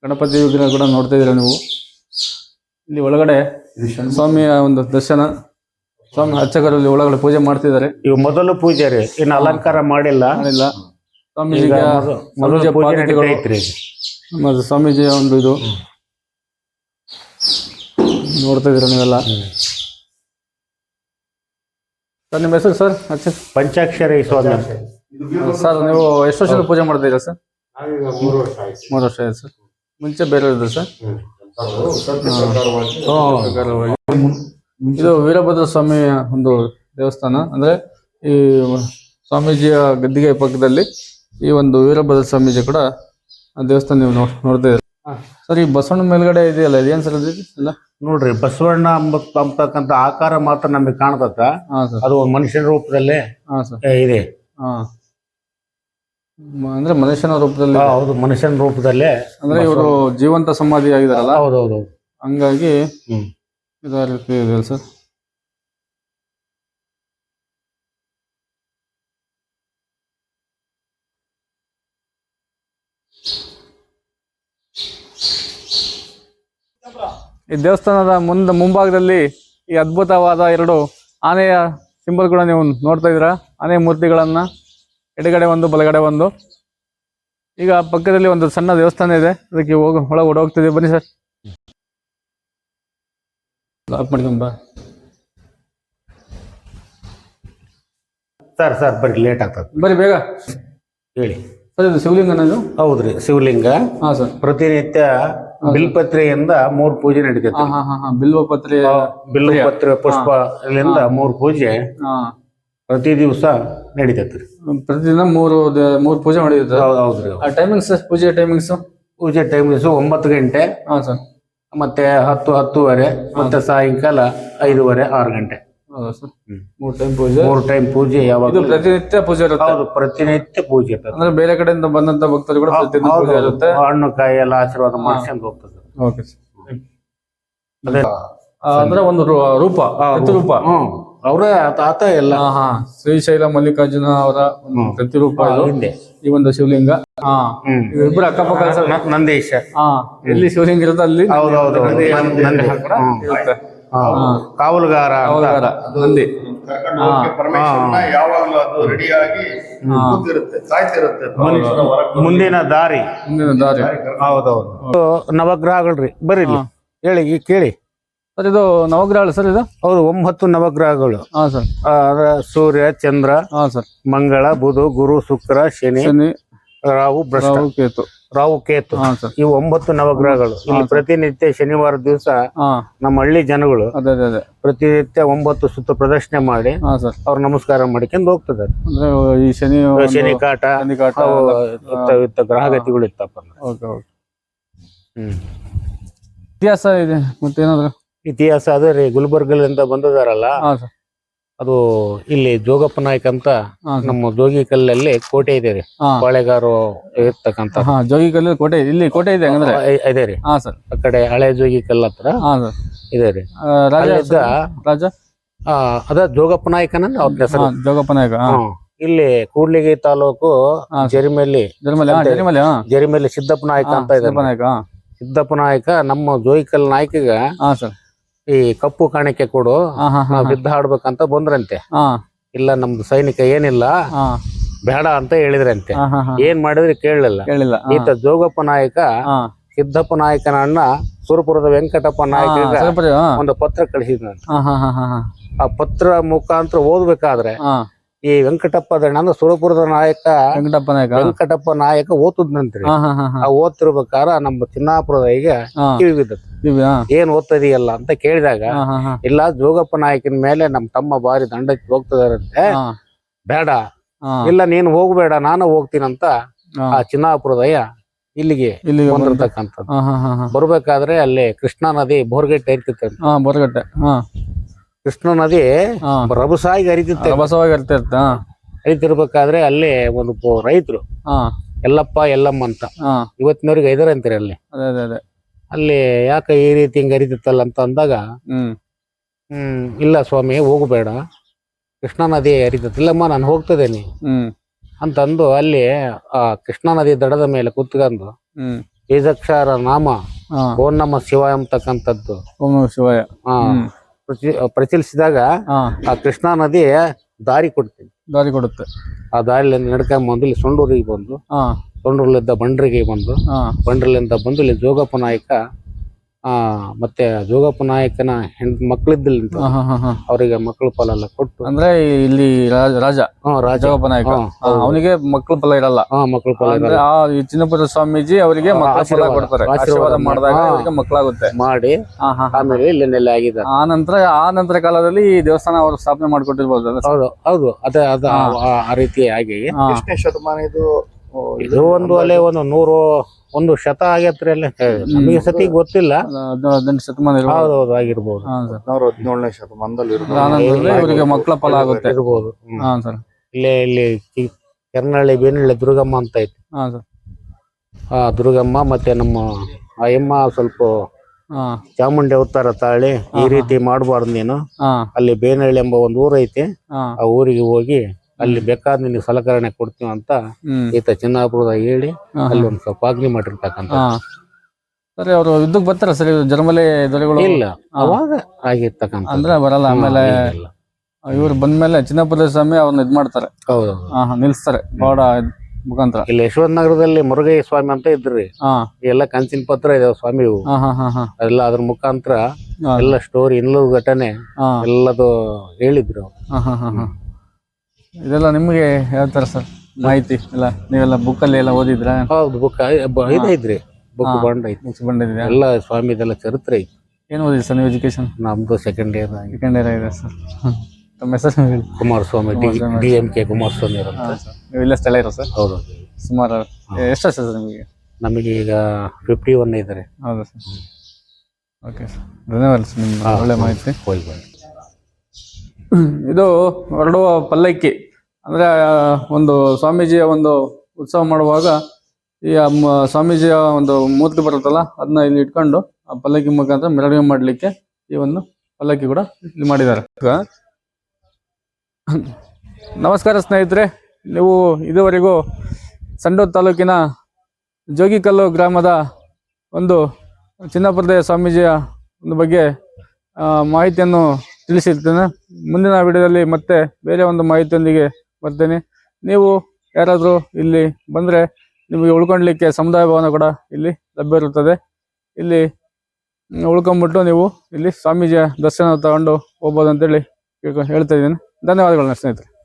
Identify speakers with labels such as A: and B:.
A: ಗಣಪತಿ ವಿಗ್ರಹ ಕೂಡ ನೋಡ್ತಾ ಇದ್ದೀರಾ ನೀವು. ಇಲ್ಲಿ ಒಳಗಡೆ ಸ್ವಾಮಿಯ ಒಂದು ದರ್ಶನ, ಸ್ವಾಮಿ ಅರ್ಚಕರಲ್ಲಿ ಒಳಗಡೆ ಪೂಜೆ ಮಾಡ್ತಿದ್ದಾರೆ.
B: ಇವು ಮೊದಲು ಪೂಜೆ ರೀ, ಇನ್ನು ಅಲಂಕಾರ ಮಾಡಿಲ್ಲ.
A: ಸ್ವಾಮೀಜಿಗೆ ಮತ್ತೆ ಸ್ವಾಮೀಜಿಯ ಒಂದು ಇದು ನೋಡ್ತಾ ಇದ್ದೀರಾ ನೀವೆಲ್ಲ. ಸರ್ ನಿಮ್ಮ ಹೆಸರು ಸರ್?
B: ಪಂಚಾಕ್ಷರಿ ಸ್ವಾಮಿ
A: ಸರ್. ನೀವು ಎಷ್ಟು ವರ್ಷದ ಪೂಜೆ ಮಾಡ್ತಾ ಇದ್ದೀರಾ ಸರ್? 3 ವರ್ಷ ಆಯ್ತು ಸರ್. ಮುಂಚೆ ಬೇರೆ ಇದೆ ಸರ್? ಇದು ವೀರಭದ್ರ ಸ್ವಾಮಿಯ ಒಂದು ದೇವಸ್ಥಾನ. ಅಂದ್ರೆ ಈ ಸ್ವಾಮೀಜಿಯ ಗದ್ದಿಗೆ ಪಕ್ಕದಲ್ಲಿ ಈ ಒಂದು ವೀರಭದ್ರ ಸ್ವಾಮೀಜಿ ಕೂಡ ದೇವಸ್ಥಾನ ನೀವು ನೋಡ್ತಾ ಇದ್ದೀರಾ ಸರ್. ಈ ಬಸವಣ್ಣ ಮೇಲ್ಗಡೆ ಇದೆಯಲ್ಲ, ಇದೇನ್ ಸರ್ ಇಲ್ಲ
B: ನೋಡ್ರಿ, ಬಸವಣ್ಣ ಅಂತಕ್ಕಂಥ ಆಕಾರ ಮಾತ್ರ ನಮಗೆ ಕಾಣ್ತತ್ತ. ಅದು ಮನುಷ್ಯನ ರೂಪದಲ್ಲೇ ಇದೆ.
A: ಅಂದ್ರೆ ಮನುಷ್ಯನ ರೂಪದಲ್ಲಿ?
B: ಹೌದು, ಮನುಷ್ಯನ ರೂಪದಲ್ಲೇ.
A: ಅಂದ್ರೆ ಇವರು ಜೀವಂತ ಸಮಾಧಿ ಆಗಿದಾರಲ್ಲ,
B: ಹೌದೌದು,
A: ಹಂಗಾಗಿ ಇದೇ ರೀತಿ ಇದೆ ಸರ್. ಈ ದೇವಸ್ಥಾನದ ಮುಂಭಾಗದಲ್ಲಿ ಈ ಅದ್ಭುತವಾದ 2 ಆನೆಯ ಸಿಂಬಲ್ ಕೂಡ ನೀವು ನೋಡ್ತಾ ಇದ್ದೀರಾ. ಆನೆ ಮೂರ್ತಿಗಳನ್ನ ಎಡಗಡೆ ಒಂದು ಬಲಗಡೆ ಒಂದು. ಈಗ ಪಕ್ಕದಲ್ಲಿ ಒಂದು ಸಣ್ಣ ದೇವಸ್ಥಾನ ಇದೆ, ಅದಕ್ಕೆ ಒಳಗೆ ಓಡೋಗ್ತಿದೆ. ಬನ್ನಿ ಸರ್. ಲಾಕ್ ಮಾಡ್ಕೊಂಡ್ ಬಾ
B: ಸರ್. ಬರ್ರಿ, ಲೇಟ್ ಆಗ್ತದೆ,
A: ಬರ್ರಿ ಬೇಗ
B: ಹೇಳಿ
A: ಸರ್. ಇದು ಶಿವಲಿಂಗನ ಇದು?
B: ಹೌದ್ರಿ, ಶಿವಲಿಂಗ.
A: ಹಾ ಸರ್.
B: ಪ್ರತಿನಿತ್ಯ ಬಿಲ್ಪತ್ರೆಯಿಂದ 3 ಪೂಜೆ ನಡೀತೈತಿ.
A: ಬಿಲ್ವಪತ್ರೆ
B: ಪುಷ್ಪ ಇಲ್ಲಿಂದ 3 ಪೂಜೆ ಪ್ರತಿ ದಿವಸ ನಡೀತೈತ್ರಿ.
A: ಪ್ರತಿದಿನ 3 ಪೂಜೆ ಮಾಡಿದ್ರೆ?
B: ಹೌದ್ರಿ.
A: ಟೈಮಿಂಗ್ಸ್, ಪೂಜೆ ಟೈಮಿಂಗ್ಸ್?
B: ಪೂಜೆ ಟೈಮಿಂಗ್ಸ್ 9 ಗಂಟೆ,
A: ಸರ್.
B: ಮತ್ತೆ 10-10:30, ಮತ್ತೆ ಸಾಯಂಕಾಲ 5:30, 6 ಗಂಟೆ.
A: ಹೌದಾ ಸರ್? 3 ಟೈಮ್ ಪೂಜೆ?
B: 3 ಟೈಮ್ ಪೂಜೆ. ಯಾವಾಗ?
A: ಪ್ರತಿನಿತ್ಯ ಪೂಜೆ ಇರುತ್ತೆ?
B: ಹೌದು, ಪ್ರತಿನಿತ್ಯ ಪೂಜೆ ಇರ್ತದೆ.
A: ಅಂದ್ರೆ ಬೇರೆ ಕಡೆಯಿಂದ ಬಂದಂತ ಭಕ್ತರು ಕೂಡ ಪ್ರತಿನಿತ್ಯ ಪೂಜೆ ಇರುತ್ತೆ?
B: ಹಣ್ಣು ಕಾಯಿ ಎಲ್ಲ ಆಶೀರ್ವಾದ ಮಾಡ್ಸ್ಕೊಂಡು ಹೋಗ್ತದೆ.
A: Okay sir. ಅಂದ್ರೆ ಒಂದು ರೂಪ, ಪ್ರತಿರೂಪ.
B: ಅವರೇ ಆತ ಎಲ್ಲ.
A: ಶ್ರೀಶೈಲ ಮಲ್ಲಿಕಾರ್ಜುನ ಅವರ ಪ್ರತಿರೂಪ ಈ ಒಂದು ಶಿವಲಿಂಗ. ಇಬ್ಬರು ಅಕ್ಕಪಕ್ಕ
B: ನಂದೀಶ.
A: ಎಲ್ಲಿ ಶಿವಲಿಂಗ ಇರುತ್ತೆ ಅಲ್ಲಿ ಇರುತ್ತೆ.
B: ಕಾವಲುಗಾರ
A: ನಂದಿ.
B: ಮುಂದಿನ ದಾರಿ. ಹೌದೌದು, ನವಗ್ರಹಗಳ್ರಿ. ಬರ್ರಿ ಹೇಳಿ, ಕೇಳಿ
A: ಸರ್. ಇದು ನವಗ್ರಹಗಳು ಸರ್? ಇದು
B: ಹೌದು, 9 ನವಗ್ರಹಗಳು. ಸರ್. ಸೂರ್ಯ, ಚಂದ್ರ, ಸರ್, ಮಂಗಳ, ಬುಧ, ಗುರು, ಶುಕ್ರ, ಶನಿ, ರಾಹು, ಕೇತು. ಇವು 9 ನವಗ್ರಹಗಳು. ಇಲ್ಲಿ ಪ್ರತಿನಿತ್ಯ ಶನಿವಾರ ದಿವಸ ನಮ್ಮ ಹಳ್ಳಿ ಜನಗಳು ಪ್ರತಿನಿತ್ಯ 9 ಸುತ್ತ ಪ್ರದರ್ಶನೆ ಮಾಡಿ ಅವ್ರ ನಮಸ್ಕಾರ ಮಾಡಿಕೊಂಡು ಹೋಗ್ತದೆ.
A: ಈ
B: ಶನಿ ಕಾಟ ಗ್ರಹಗತಿಗಳು ಇತ್ತಪ್ಪ.
A: ಇತಿಹಾಸ ಇದೆ ಮತ್ತೇನಾದ್ರು?
B: ಇತಿಹಾಸ ಅದೇ ರೀ, ಗುಲ್ಬರ್ಗದಿಂದ ಬಂದಿದಾರಲ್ಲ, ಅದು ಇಲ್ಲಿ ಜೋಗಪ್ಪ ನಾಯ್ಕ ಅಂತ ನಮ್ಮ ಜೋಗಿಕಲ್ಲಲ್ಲಿ ಕೋಟೆ ಇದೆ ರೀ. ಬಾಳೆಗಾರು ಇರ್ತಕ್ಕಂತ
A: ಜೋಗಿಕಲ್ಲ ಕೋಟೆ. ಇಲ್ಲಿ ಕೋಟೆ ಇದೆ
B: ಇದೆ ರೀ. ಆ ಕಡೆ ಹಳೆ ಜೋಗಿಕಲ್ ಹತ್ರ ಇದೆ ರೀ.
A: ರಾಜ
B: ಅದ ಜೋಗಪ್ಪ ನಾಯ್ಕನ ಅವ್ರ ಹೆಸರು.
A: ಜೋಗಪ್ಪ ನಾಯ್ಕ.
B: ಇಲ್ಲಿ ಕೂಡ್ಲಿಗಿ ತಾಲೂಕು ಜರಿಮೆಲ್ಲಿ ಸಿದ್ದಪ್ಪ ನಾಯ್ಕ ಅಂತ ಇದೆ. ಸಿದ್ದಪ್ಪ ನಾಯ್ಕ ನಮ್ಮ ಜೋಗಿಕಲ್ ನಾಯ್ಕಗ ಈ ಕಪ್ಪು ಕಾಣಿಕೆ ಕೊಡು, ಬಿದ್ದ ಹಾಡ್ಬೇಕಂತ ಬಂದ್ರಂತೆ. ಇಲ್ಲ, ನಮ್ದು ಸೈನಿಕ ಏನಿಲ್ಲ, ಬೇಡ ಅಂತ ಹೇಳಿದ್ರಂತೆ. ಏನ್ ಮಾಡಿದ್ರೆ ಕೇಳಲಿಲ್ಲ. ಈತ ಜೋಗಪ್ಪ ನಾಯಕ ಸಿದ್ದಪ್ಪ ನಾಯಕನ ಅಣ್ಣ ಸುರಪುರದ ವೆಂಕಟಪ್ಪ ನಾಯಕ ಒಂದು ಪತ್ರ ಕಳಿಸಿದ್ರಂತೆ. ಆ ಪತ್ರ ಮುಖಾಂತರ ಓದ್ಬೇಕಾದ್ರೆ ಈ ವೆಂಕಟಪ್ಪ ದಣ್ಣ ಅಂದ್ರೆ ಸುರಪುರದ ನಾಯಕ ವೆಂಕಟಪ್ಪ ನಾಯಕ ಓದ್ತಿದ್ನಂತ್ರಿ. ಆ ಓದ್ತಿರ್ಬೇಕಾರ ನಮ್ಮ ಚಿನ್ನಾಪುರದ ಈಗ ಕಿವಿ ಬಿದ್ದತ್. ಏನ್ ಓದ್ತದಿಯಲ್ಲ ಅಂತ ಕೇಳಿದಾಗ, ಇಲ್ಲ, ಜೋಗಪ್ಪ ನಾಯಕನ ಮೇಲೆ ನಮ್ ತಮ್ಮ ಬಾರಿ ದಂಡಕ್ಕೆ ಹೋಗ್ತದಾರಂತೆ, ಬೇಡ, ಇಲ್ಲ ನೀನು ಹೋಗ್ಬೇಡ, ನಾನು ಹೋಗ್ತೀನಂತ ಆ ಚಿನ್ನಾಪುರದಯ್ಯ ಇಲ್ಲಿಗೆ ಬಂದಿರ್ತಕ್ಕಂಥದ್ದು. ಬರ್ಬೇಕಾದ್ರೆ ಅಲ್ಲಿ ಕೃಷ್ಣಾ ನದಿ ಬೋರ್ಗಟ್ಟೆ ಹರಿತಿತ್ತು. ಕೃಷ್ಣ ನದಿ ರಭಸಾಗಿ ಹರಿತಿರ್ಬೇಕಾದ್ರೆ ಅಲ್ಲಿ ಒಂದು ರೈತರು ಎಲ್ಲಪ್ಪ ಎಲ್ಲಮ್ಮ ಅಂತ ಇವತ್ತಿನವ್ರಿಗೆ ಐದಾರ ಅಂತೀರಿ ಅಲ್ಲಿ. ಅಲ್ಲಿ ಯಾಕೆ ಈ ರೀತಿ ಹಿಂಗ ಹರಿತಿತ್ತಲ್ಲ ಅಂತ ಅಂದಾಗ, ಇಲ್ಲ ಸ್ವಾಮಿ ಹೋಗಬೇಡ, ಕೃಷ್ಣಾ ನದಿ ಹರಿತಿಲ್ಲಮ್ಮ, ನಾನು ಹೋಗ್ತದೇನಿ ಅಂತಂದು ಅಲ್ಲಿ ಆ ಕೃಷ್ಣಾ ನದಿ ದಡದ ಮೇಲೆ ಕುತ್ಕೊಂಡು ಬೀಜಾಕ್ಷರ ನಾಮ
A: ಹಾ
B: ಓಂ ನಮ ಶಿವಾಯ ಅಂತಕ್ಕಂಥದ್ದು
A: ಓಂ ನಮಃ ಶಿವಾಯ.
B: ಪ್ರಚಲಿಸಿದಾಗ
A: ಹಾ
B: ಆ ಕೃಷ್ಣಾ ನದಿ ದಾರಿ ಕೊಡ್ತೀನಿ,
A: ದಾರಿ ಕೊಡುತ್ತೆ.
B: ಆ ದಾರಿಲಿಂದ ನಡ್ಕೊಂಡ್ ಬಂದು ಇಲ್ಲಿ ಸೊಂಡೂರಿಗೆ ಬಂದು,
A: ಹಾ
B: ಸೊಂಡೂರ್ಲಿದ್ದ ಬಂಡ್ರಿಗೆ ಬಂದು,
A: ಹಾ
B: ಬಂಡ್ರಲಿಂದ ಬಂದು ಇಲ್ಲಿ ಜೋಗಪ್ಪ ನಾಯಕ ಮತ್ತೆ ಜೋಗಪ್ಪ ನಾಯಕನ ಮಕ್ಕಳಿದ್ದಿಲ್ಲ
A: ಹಾ ಹಾ ಹಾ ಹಾ
B: ಅವರಿಗೆ ಮಕ್ಕಳು ಫಲ ಎಲ್ಲ ಕೊಟ್ಟು,
A: ಅಂದ್ರೆ ಇಲ್ಲಿ ರಾಜ
B: ರಾಜ
A: ಜೋಗಪ್ಪ ನಾಯಕ ಅವನಿಗೆ ಮಕ್ಕಳು ಫಲ ಇರಲ್ಲ.
B: ಮಕ್ಕಳು ಫಲ
A: ಅಂದ್ರೆ ಆ ಈ ಚಿನ್ನಪುರ ಸ್ವಾಮೀಜಿ ಅವರಿಗೆ ಮಕ್ಕಳ ಫಲ ಕೊಡ್ತಾರೆ. ಆಶೀರ್ವಾದ ಮಾಡಿದಾಗ ಅವರಿಗೆ ಮಕ್ಕಳಾಗುತ್ತೆ
B: ಮಾಡಿ ಆಮೇಲೆ ಇಲ್ಲಿ ನೆಲೆ ಆಗಿದ್ದಾರೆ.
A: ಆ ನಂತರ ಕಾಲದಲ್ಲಿ ಈ ದೇವಸ್ಥಾನ ಅವರು ಸ್ಥಾಪನೆ ಮಾಡಿಕೊಟ್ಟಿರ್ಬೋದು.
B: ಹೌದು ಹೌದು, ಅದೇ ಅದ ಆ ರೀತಿ ಆಗಿ
C: ಎಷ್ಟನೇ ಶತಮಾನ ಇದು?
B: ಇದು ಒಂದು ಅಲ್ಲೇ ಒಂದು ಶತ ಆಗೈತ್ರಿ ಅಲ್ಲಿ, ನಮಗೆ ಸತಿ ಗೊತ್ತಿಲ್ಲ.
A: 18 ಶತಮಾನ
B: ಹೌದೌದು ಆಗಿರ್ಬೋದು.
C: 17ನೇ ಶತಮಾನದಲ್ಲಿ
A: ಇವರಿಗೆ ಮಕ್ಕಳ ಫಲ ಆಗುತ್ತೆ
B: ಇರ್ಬೋದು.
A: ಹಾ ಸರ್.
B: ಇಲ್ಲಿ ಕೆರ್ನಳ್ಳಿ ಬೇನಳ್ಳಿ ದುರ್ಗಮ್ಮ ಅಂತ ಐತಿ.
A: ಹಾ ಸರ್.
B: ದುರ್ಗಮ್ಮ ಮತ್ತೆ ನಮ್ಮ ಅಯ್ಯಮ್ಮ ಸ್ವಲ್ಪ ಚಾಮುಂಡಿ ಅವತಾರ ತಾಳಿ ಈ ರೀತಿ ಮಾಡಬಾರ್ದು ನೀನು, ಅಲ್ಲಿ ಬೇನಳ್ಳಿ ಎಂಬ ಒಂದು ಊರ್ ಐತಿ, ಆ ಊರಿಗೆ ಹೋಗಿ ಅಲ್ಲಿ ಬೇಕಾದ ನಿನಗೆ ಸಲಕರಣೆ ಕೊಡ್ತೀವಿ ಅಂತ ಈತ ಚಿನ್ನಾಪುರದಾಗ ಹೇಳಿ ಅಲ್ಲಿ ಒಂದು ಸ್ವಲ್ಪ ಆಜ್ಞೆ ಮಾಡಿರ್ತಕ್ಕಂಥ.
A: ಸರಿ, ಅವರು ಯುದ್ಧಕ್ಕೆ ಬರ್ತಾರ ಸರಿ ಜರ್ಮಲೆ ದೊರೆಗಳು?
B: ಇಲ್ಲ, ಅವಾಗ ಆಗಿರ್ತಕ್ಕಂಥ
A: ಅಂದ್ರೆ ಬರಲ್ಲ. ಆಮೇಲೆ ಇವ್ರು ಬಂದ್ಮೇಲೆ ಚಿನ್ನಪುರ ಸ್ವಾಮಿ ಅವ್ರನ್ನ ಇದ್ ಮಾಡ್ತಾರೆ.
B: ಹೌದು,
A: ನಿಲ್ಸ್ತಾರೆ ಬಾಡ ಮುಖಾಂತರ.
B: ಇಲ್ಲಿ ಯಶವಂತ ನಗರದಲ್ಲಿ ಮುರುಗಯ್ಯ ಸ್ವಾಮಿ ಅಂತ ಇದ್ರಿ, ಎಲ್ಲ ಕಂಚಿನ ಪತ್ರ ಇದಾವ ಸ್ವಾಮಿ ಎಲ್ಲ, ಅದ್ರ ಮುಖಾಂತರ ಎಲ್ಲ ಸ್ಟೋರಿ ಇನ್ನೂರು ಘಟನೆ ಎಲ್ಲದು ಹೇಳಿದ್ರು.
A: ಇದೆಲ್ಲ ನಿಮ್ಗೆ ಯಾವ ತರ ಸರ್ ಮಾಹಿತಿ ಎಲ್ಲ? ನೀವೆಲ್ಲ ಬುಕ್ ಅಲ್ಲಿ ಎಲ್ಲ ಓದಿದ್ರ?
B: ಹೌದು, ಬುಕ್ ಇದೈತ್ರಿ, ಬುಕ್ ಬಂಡ್ ಐತಿ,
A: ಬುಕ್ಸ್ ಬಂದಿದೆ
B: ಎಲ್ಲ ಸ್ವಾಮಿದೆಲ್ಲ ಚರಿತ್ರೆ ಐತಿ.
A: ಏನ್ ಓದಿದ್ರಿ ಸರ್ ನೀವು ಎಜುಕೇಶನ್?
B: ನಮ್ದು ಸೆಕೆಂಡ್ ಇಯರ್
A: ಇದೆ ಸರ್. ತಮ್ಮ ಹೆಸರು ಹೇಳಿ?
B: ಕುಮಾರಸ್ವಾಮಿ, DMK ಕುಮಾರಸ್ವಾಮಿ ಅಂತ.
A: ನೀವು ಇಲ್ಲೇ ಸ್ಥಳ ಇರೋ ಸರ್?
B: ಹೌದು.
A: ಸುಮಾರು ಎಷ್ಟು ವರ್ಷ ಸರ್ ನಿಮಗೆ?
B: ನಮಗೆ ಈಗ 51 ಇದ್ದಾರೆ.
A: ಹೌದಾ ಸರ್? ಓಕೆ ಸರ್, ಧನ್ಯವಾದ ಸರ್, ನಿಮ್ಮ ಒಳ್ಳೆ ಮಾಹಿತಿ. ಇದು ಹೊರಡುವ ಪಲ್ಲಕ್ಕಿ ಅಂದ್ರೆ ಒಂದು ಸ್ವಾಮೀಜಿಯ ಒಂದು ಉತ್ಸವ ಮಾಡುವಾಗ ಈ ಸ್ವಾಮೀಜಿಯ ಒಂದು ಮೂರ್ತಿ ಬರುತ್ತಲ್ಲ, ಅದನ್ನ ಇಲ್ಲಿ ಇಟ್ಕೊಂಡು ಆ ಪಲ್ಲಕ್ಕಿ ಮುಖಾಂತರ ಮೆರವಣಿಗೆ ಮಾಡ್ಲಿಕ್ಕೆ ಈ ಒಂದು ಪಲ್ಲಕ್ಕಿ ಕೂಡ ಇಲ್ಲಿ ಮಾಡಿದ್ದಾರೆ. ನಮಸ್ಕಾರ ಸ್ನೇಹಿತರೆ, ನೀವು ಇದುವರೆಗೂ ಸಂಡೂರು ತಾಲೂಕಿನ ಜೋಗಿಕಲ್ಲು ಗ್ರಾಮದ ಒಂದು ಚಿನ್ನಪುರದ ಸ್ವಾಮೀಜಿಯ ಒಂದು ಬಗ್ಗೆ ಮಾಹಿತಿಯನ್ನು ತಿಳಿಸಿರ್ತೇನೆ. ಮುಂದಿನ ವಿಡಿಯೋದಲ್ಲಿ ಮತ್ತೆ ಬೇರೆ ಒಂದು ಮಾಹಿತಿಯೊಂದಿಗೆ ಬರ್ತೇನೆ. ನೀವು ಯಾರಾದರೂ ಇಲ್ಲಿ ಬಂದರೆ ನಿಮಗೆ ಉಳ್ಕೊಳ್ಲಿಕ್ಕೆ ಸಮುದಾಯ ಭವನ ಕೂಡ ಇಲ್ಲಿ ಲಭ್ಯ ಇರುತ್ತದೆ. ಇಲ್ಲಿ ಉಳ್ಕೊಂಡ್ಬಿಟ್ಟು ನೀವು ಇಲ್ಲಿ ಸ್ವಾಮೀಜಿಯ ದರ್ಶನ ತಗೊಂಡು ಹೋಗ್ಬೋದು ಅಂತೇಳಿ ಹೇಳ್ತಾ ಇದ್ದೀನಿ. ಧನ್ಯವಾದಗಳು ಸ್ನೇಹಿತರೆ.